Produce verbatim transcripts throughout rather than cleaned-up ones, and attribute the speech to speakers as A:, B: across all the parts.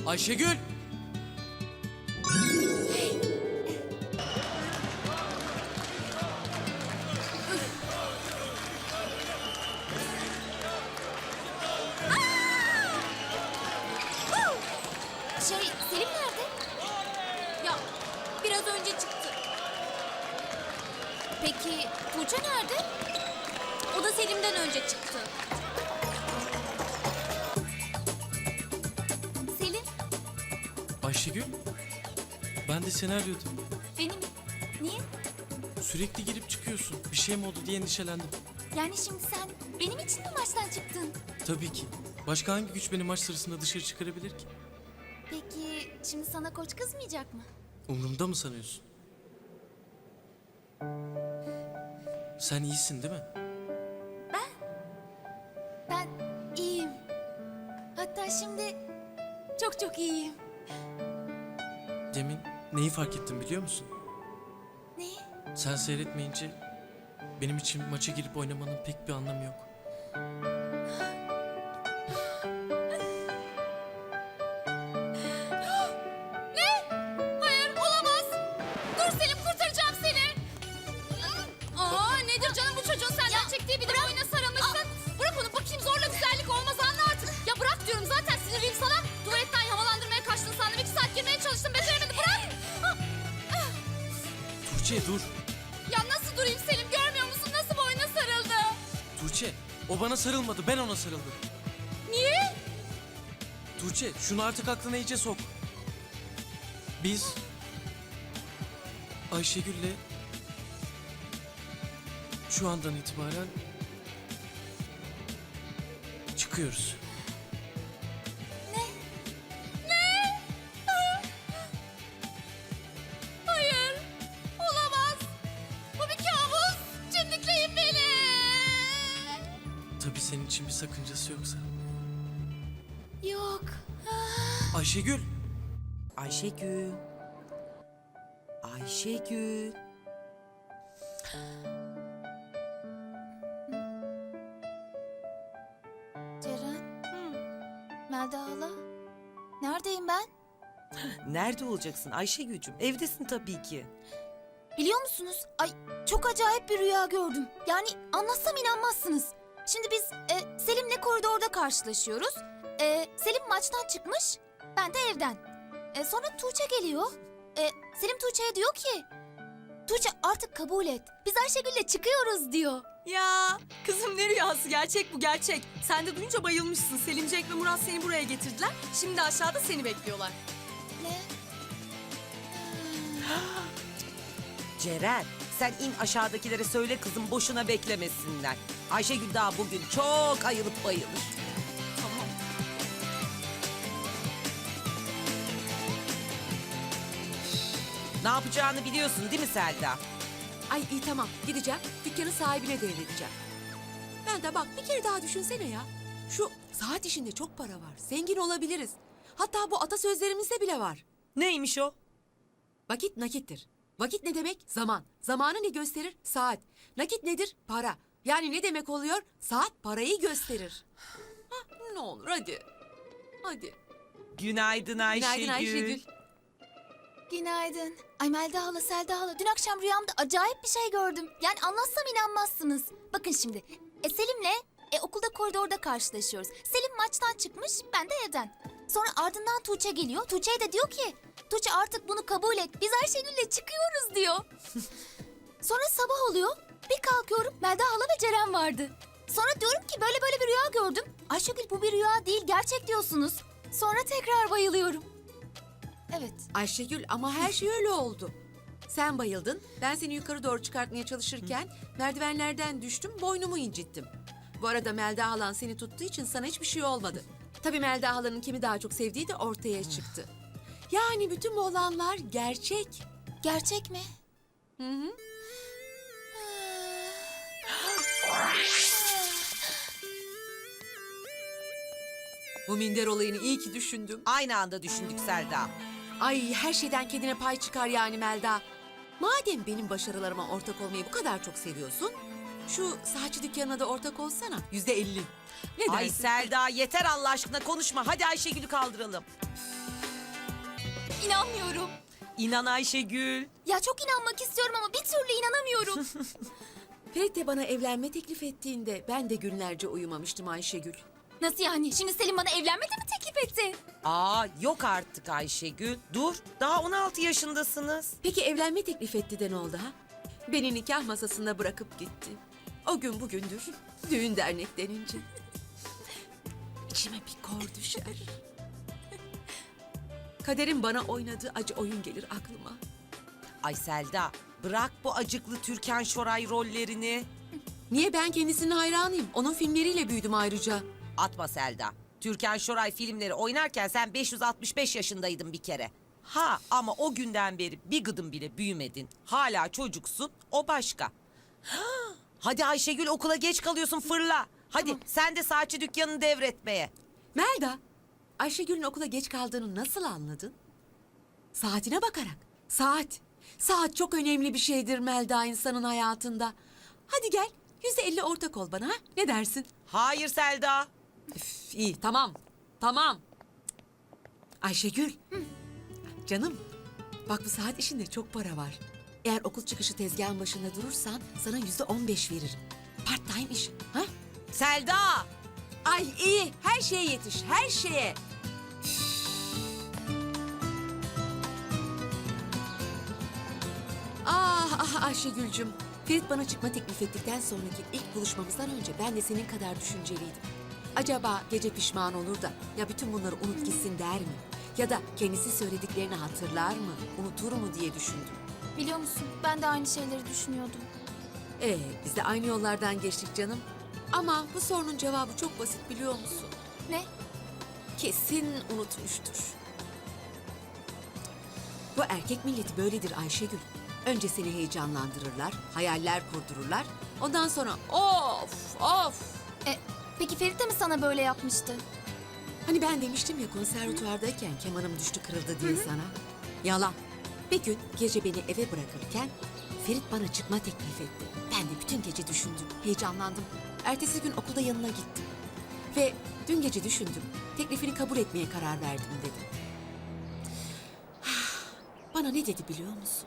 A: Ayşegül!
B: Şey, Selim nerede? Ya, biraz önce çıktı. Peki, Tuğçe nerede? O da Selim'den önce çıktı. Selim,
A: Ayşegül? Ben de seni arıyordum.
B: benim. Niye?
A: Sürekli girip çıkıyorsun. Bir şey mi oldu diye endişelendim.
B: Yani şimdi sen benim için mi maçtan çıktın?
A: Tabii ki. Başka hangi güç beni maç sırasında dışarı çıkarabilir ki?
B: Peki, şimdi sana koç kızmayacak mı?
A: Umrumda mı sanıyorsun? Sen iyisin değil mi?
B: Ben iyiyim. Hatta şimdi çok çok iyiyim.
A: Demin neyi fark ettim biliyor musun?
B: Neyi?
A: Sen seyretmeyince benim için maça girip oynamanın pek bir anlamı yok.
B: Hayır, olamaz. Dur Selim, kurtaracağım seni. Aa, nedir canım bu çocuğun senden çektiği bir de oyuna sarılmışsın. Bırak onu bakayım, zorla güzellik olmaz, anla artık. Ya bırak diyorum, zaten sinirliyim sana. Tuvaletten havalandırmaya kaçtın sandım. İki saat girmeye çalıştım, beceremedim. Bırak.
A: Tuğçe dur.
B: Ya nasıl durayım Selim, görmüyor musun? Nasıl boyuna sarıldı?
A: Tuğçe, o bana sarılmadı, ben ona sarıldım.
B: Niye?
A: Tuğçe, şunu artık aklına iyice sok. Biz Ayşegül'le şu andan itibaren çıkıyoruz.
B: Hayır, olamaz. Bu bir kabus. Çimdikleyin beni.
A: Tabii senin için bir sakıncası yoksa.
B: Yok.
A: Ayşegül!
C: Ayşegül. Ayşegül.
B: Ceren. Melda hala. Neredeyim ben?
C: Nerede olacaksın Ayşegül'cüm? Evdesin tabii ki.
B: Biliyor musunuz? Ay çok acayip bir rüya gördüm. Yani anlatsam inanmazsınız. Şimdi biz e, Selim'le koridorda karşılaşıyoruz. E, Selim maçtan çıkmış, ben de evden. E, sonra Tuğçe geliyor. E, Selim Tuğçe'ye diyor ki... Tuğçe artık kabul et. Biz Ayşegül'le çıkıyoruz diyor.
D: Ya kızım ne rüyası, gerçek bu gerçek. Sen de duyunca bayılmışsın. Selimcek ve Murat seni buraya getirdiler. Şimdi aşağıda seni bekliyorlar.
B: Ne?
C: Ceren, sen in aşağıdakilere söyle kızım boşuna beklemesinler. Ayşegül daha bugün çok ayılıp bayılır.
D: Tamam.
C: Ne yapacağını biliyorsun değil mi Selda?
E: Ay iyi tamam gideceğim dükkanın sahibine devredeceğim. Ben de bak bir kere daha düşünsene ya. Şu saat işinde çok para var. Zengin olabiliriz. Hatta bu atasözlerimizde bile var.
C: Neymiş o?
E: Vakit nakittir. Vakit ne demek? Zaman. Zamanı ne gösterir? Saat. Nakit nedir? Para. Yani ne demek oluyor? Saat parayı gösterir. Hah, ne olur hadi. Hadi.
C: Günaydın Ayşegül.
E: Günaydın Ayşegül.
B: Günaydın. Ay Melda hala, Selda hala. Dün akşam rüyamda acayip bir şey gördüm. Yani anlatsam inanmazsınız. Bakın şimdi. E, Selim'le e, okulda koridorda karşılaşıyoruz. Selim maçtan çıkmış, ben de evden. Sonra ardından Tuğçe geliyor. Tuğçe'ye de diyor ki... Tuğçe artık bunu kabul et. Biz Ayşegül'le çıkıyoruz diyor. Sonra sabah oluyor. Bir kalkıyorum, Melda hala ve Ceren vardı. Sonra diyorum ki böyle böyle bir rüya gördüm. Ayşegül bu bir rüya değil, gerçek diyorsunuz. Sonra tekrar bayılıyorum. Evet.
E: Ayşegül ama her şey öyle oldu. Sen bayıldın. Ben seni yukarı doğru çıkartmaya çalışırken merdivenlerden düştüm, boynumu incittim. Bu arada Melda halan seni tuttuğu için sana hiçbir şey olmadı. Tabii Melda halanın kimi daha çok sevdiği de ortaya çıktı. Yani bütün bu olanlar gerçek.
B: Gerçek mi?
E: Hı hı. Bu minder olayını iyi ki düşündüm.
C: Aynı anda düşündük Selda.
E: Ay her şeyden kendine pay çıkar yani Melda. Madem benim başarılarıma ortak olmayı bu kadar çok seviyorsun... ...şu saatçi dükkanına da ortak olsana. Yüzde elli. Ne
C: Ay
E: dersin?
C: Selda yeter Allah aşkına konuşma. Hadi Ayşegül'ü kaldıralım.
B: İnanmıyorum.
C: İnan Ayşegül.
B: Ya çok inanmak istiyorum ama bir türlü inanamıyorum.
E: Ferit de bana evlenme teklif ettiğinde ben de günlerce uyumamıştım Ayşegül.
B: Nasıl yani? Şimdi Selim bana evlenmedi mi teklif etti?
C: Aa yok artık Ayşegül. Dur daha on altı yaşındasınız.
E: Peki evlenme teklif etti de ne oldu ha? Beni nikah masasında bırakıp gitti. O gün bugündür düğün dernek denince. İçime bir kor düşer. Kaderin bana oynadığı acı oyun gelir aklıma.
C: Ay Selda bırak bu acıklı Türkan Şoray rollerini.
E: Niye, ben kendisinin hayranıyım. Onun filmleriyle büyüdüm ayrıca.
C: Atma Selda. Türkan Şoray filmleri oynarken sen beş yüz altmış beş yaşındaydın bir kere. Ha ama o günden beri bir gıdım bile büyümedin. Hala çocuksun, o başka. Ha, hadi Ayşegül okula geç kalıyorsun, fırla. Hadi sen de saatçi dükkanını devretmeye.
E: Melda, Ayşegül'ün okula geç kaldığını nasıl anladın? Saatine bakarak. Saat. Saat çok önemli bir şeydir Melda insanın hayatında. Hadi gel, yüzde elli ortak ol bana ha? Ne dersin?
C: Hayır Selda.
E: Üf, iyi, tamam. Tamam. Ayşegül. Canım, bak bu saat işinde çok para var. Eğer okul çıkışı tezgahın başında durursan sana yüzde on beş veririm. Part time iş. Ha?
C: Selda.
E: Ay iyi, her şeye yetiş, her şeye. Ah ah Ayşegül'cüm. Ferit bana çıkma teklif ettikten sonraki ilk buluşmamızdan önce ben de senin kadar düşünceliydim. Acaba gece pişman olur da ya bütün bunları unut gitsin der mi? Ya da kendisi söylediklerini hatırlar mı, unutur mu diye düşündüm.
B: Biliyor musun? Ben de aynı şeyleri düşünüyordum.
E: Ee, biz de aynı yollardan geçtik canım. Ama bu sorunun cevabı çok basit biliyor musun?
B: Ne?
E: Kesin unutmuştur. Bu erkek milleti böyledir Ayşegül. Önce seni heyecanlandırırlar, hayaller kurdururlar. Ondan sonra of of.
B: E, peki Ferit de mi sana böyle yapmıştı?
E: Hani ben demiştim ya konservatuvardayken kemanım düştü kırıldı diye sana. Yalan. Bir gün gece beni eve bırakırken Ferit bana çıkma teklif etti. Ben de bütün gece düşündüm, heyecanlandım. Ertesi gün okulda yanına gittim. Ve dün gece düşündüm, teklifini kabul etmeye karar verdim dedim. Bana ne dedi biliyor musun?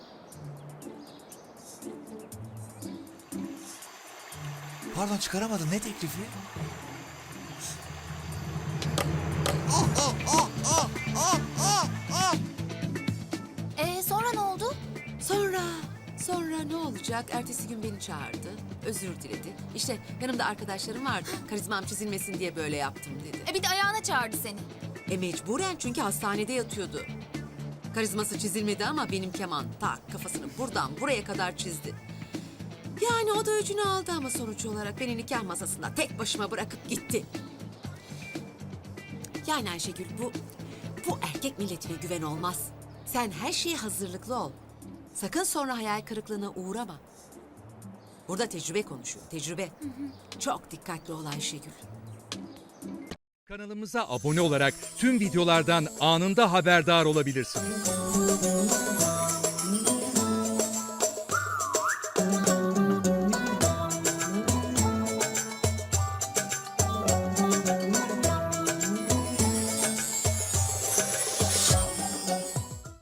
F: Pardon çıkaramadım. Ne teklifi?
B: E sonra ne oldu?
E: Sonra, sonra ne olacak? Ertesi gün beni çağırdı, özür diledi. İşte yanımda arkadaşlarım vardı, karizmam çizilmesin diye böyle yaptım dedi.
B: E bir de ayağına çağırdı seni.
E: E mecburen çünkü hastanede yatıyordu. Karizması çizilmedi ama benim keman tak kafasını buradan buraya kadar çizdi. Yani o da öcünü aldı ama sonuç olarak beni nikah masasında tek başıma bırakıp gitti. Yani Ayşegül bu, bu erkek milletine güven olmaz. Sen her şeye hazırlıklı ol. Sakın sonra hayal kırıklığına uğrama. Burada tecrübe konuşuyor, tecrübe. Çok dikkatli ol Ayşegül.
G: Kanalımıza abone olarak tüm videolardan anında haberdar olabilirsiniz.